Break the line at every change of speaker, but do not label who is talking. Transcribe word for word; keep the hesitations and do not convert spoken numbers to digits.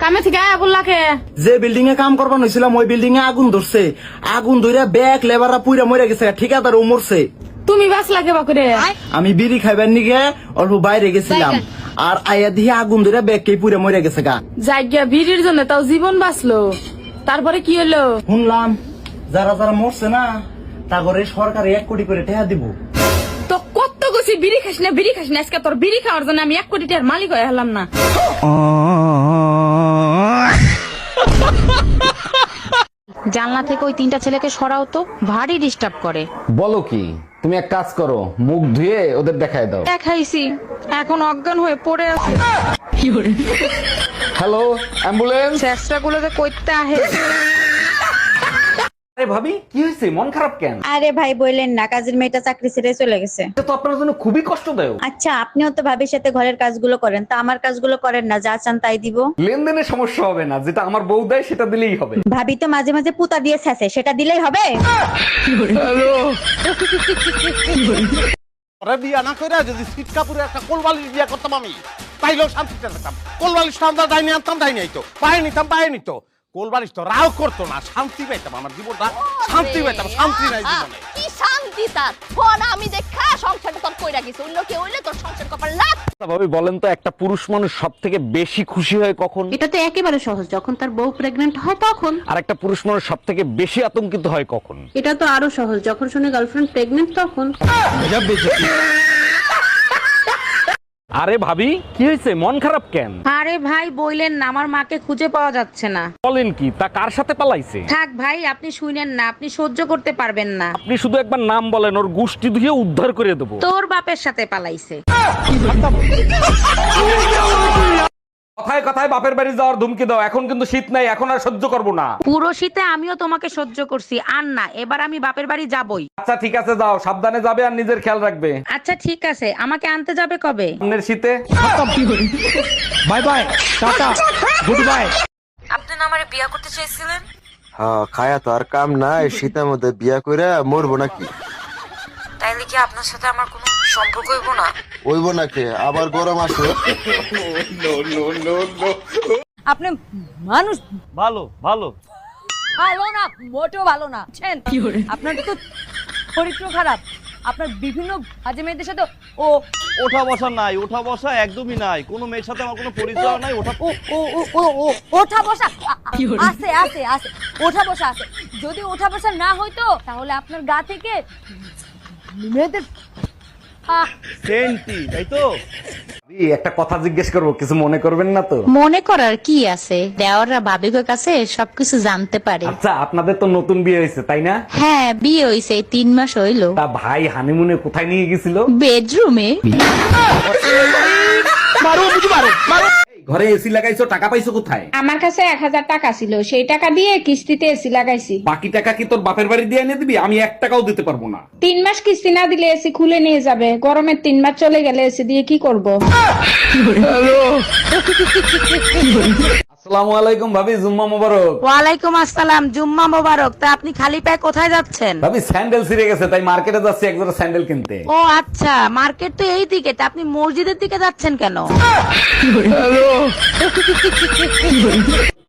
কামে থেকে আয়া বললাকে
যে বিল্ডিং এ কাম করবার হয়েছিলাম ওই বিল্ডিং এ আগুন ধরছে, আগুন ধরে ব্যাগ লেবাররা পুইরা মরে গেছে, ঠিকাদার ও মরছে।
তুমি বাস লাগে বাকুরে
আমি বিড়ি খাইবার নিগে অল্প বাইরে গেছিলাম, আর আয়া দিয়ে আগুন ধরে ব্যাগ কে পুইরা মরে গেছে গা।
জায়গা ভিড়ির জন্য তাও জীবন বাঁচলো, তারপরে কি হলো?
শুনলাম যারা যারা মরছে না তা করে সরকার এক কোটি করে টাকা দিব।
তো কত গেছি বিড়ি খাস না বিড়ি খাস না, আজকে তোর বিড়ি খাওয়ার জন্য আমি এক কোটি টাকার মালিক হয়ে হলাম না।
জানলা থেকে ওই তিনটা ছেলেকে সরাও তো, ভারী ডিস্টার্ব করে।
বলো কি, তুমি এক কাজ করো, মুখ ধুয়ে ওদের দেখায় দাও।
দেখাইছি, এখন অজ্ঞান হয়ে পড়ে আছে।
Hello ambulance.
চেষ্টা গুলোতে কইতে আহে।
আরে ভাবি কি হয়েছে, মন খারাপ কেন?
আরে ভাই বললেন না, কাজের মেয়েটা চাকরি ছেড়ে চলে গেছে।
এটা তো আপনার জন্য খুবই কষ্টদায়ক।
আচ্ছা আপনিও তো ভাবির সাথে ঘরের কাজগুলো করেন, তা আমার কাজগুলো করেন না, যা চান তাই দিব।
লেনদেনের সমস্যা হবে না, যেটা আমার বউ দেয় সেটা দিলেই হবে।
ভাবি তো মাঝে মাঝে পুতা দিয়ে ছেঁচে, সেটা দিলেই হবে।
ওরা বিয়া না করে যদি সিট কাপুরে একটা কোলবালিশ বিয়া করতাম আমি, তাইলেও শান্তিতে থাকতাম। কোলবালিশটা আমরা ডাইনি আনতাম, ডাইনি আইতো, পায়ে নিতাম, পায়ে নিত। কোলবালিশ তো রাও করতো না, শান্তি পাইতাম, আমার জীবনটা শান্তি পাইতাম। শান্তি নাই জীবনে।
কি শান্তি তার ফোন আমি দেখা সংসারটা তোর কইরা গেছে, অন্য কেউ হইলে তোর সংসার কপাল লাগ।
ভাবি বলেন তো, একটা পুরুষ মানুষ সব থেকে বেশি খুশি হয় কখন?
এটা তো একেবারে সহজ, যখন তার বউ প্রেগনেন্ট হয় তখন।
আর একটা পুরুষ মানুষ সব থেকে বেশি আতঙ্কিত হয় কখন?
এটা তো আরো সহজ, যখন শুনে গার্লফ্রেন্ড প্রেগনেন্ট তখন।
আরে ভাবি কি হয়েছে, মন খারাপ কেন?
আরে ভাই বইলেন না, আমার মাকে খুঁজে পাওয়া যাচ্ছে না।
বলেন কি, তা কার সাথে পালাইছে?
থাক ভাই, আপনি শুনেন না, আপনি সহ্য করতে পারবেন না।
আপনি শুধু একবার নাম বলেন, ওর গোষ্ঠী ধুয়ে উদ্ধার করে দেবো।
তোর বাপের সাথে পালাইছে।
কথায় কথায় বাপের বাড়ি যাওয়ার ধুমকি দাও, এখন কিন্তু শীত নাই, এখন আর সহ্য করবো না।
পুরো শীতে আমিও তোমাকে সহ্য করছি, আর না, এবার আমি বাপের বাড়ি যাবই।
আচ্ছা ঠিক আছে, যাও, সাবধানে যাবে আর নিজের খেয়াল রাখবে।
আচ্ছা ঠিক আছে, আমাকে আনতে যাবে কবে?
সামনের শীতে।
Bye bye, tata, good bye.
আপনি না আমারে বিয়ে করতে চাইছিলেন?
হ্যাঁ, খায়া তো আর কাম নাই, শীতের মধ্যে বিয়া করে মরবো নাকি?
তাইলে কি আপনার সাথে আমার কোনো সম্পর্ক হইব না?
ওইব নাকি, আবার গরম আসে।
আপনি মানুষ
ভালো ভালো
ভালো না, মোটেও ভালো না। আপনার তো চরিত্র খারাপ, আপনার বিভিন্ন বাজে মেয়েদের সাথে ও
ওঠা বসা নাই, ওঠা বসা একদমই নাই, কোনো মেয়ের সাথে আমার কোনো পরিচয় নাই। ওঠা
ও ও ও ও ও ওঠা বসা আছে আছে আছে ওঠা বসা আছে। যদি ওঠা বসা না হইতো তাহলে আপনার গা থেকে মেয়েদের আহ
সেন্টি, তাই তো?
এই একটা কথা জিজ্ঞেস করবো, কিছু মনে করবেন না তো?
মনে করার কি আছে, দেওয়াররা ভাবিকের কাছে সবকিছু জানতে পারে।
আচ্ছা আপনাদের তো নতুন বিয়ে হয়েছে তাই না?
হ্যাঁ, বিয়ে হইছে, এই তিন মাস হইলো।
তা ভাই হানিমুনে কোথায় নিয়ে গেছিল?
বেডরুমে।
ঘরে এসি লাগাইছো, টাকা পাইছো কোথায়?
আমার কাছে এক হাজার টাকা ছিল, সেই টাকা দিয়ে কিস্তিতে এসি লাগাইছি।
বাকি টাকা কি তোর বাপের বাড়ি দিয়ে এনে দিবি? আমি এক টাকাও দিতে পারবো না।
তিন মাস কিস্তি না দিলে এসি খুলে নিয়ে যাবে, গরমের তিন মাস চলে গেলে এসি দিয়ে কি করব?
আসসালামু আলাইকুম ভাবি, জুম্মা মোবারক।
ওয়ালাইকুম আসসালাম, জুম্মা মোবারক। তা আপনি খালি পায়ে কোথায় যাচ্ছেন?
ভাবি স্যান্ডেল ছিঁড়ে গেছে, তাই মার্কেটে যাচ্ছি এক জোড়া স্যান্ডেল কিনতে।
ও আচ্ছা, মার্কেট তো এই দিকে, তা আপনি মসজিদের দিকে যাচ্ছেন কেন?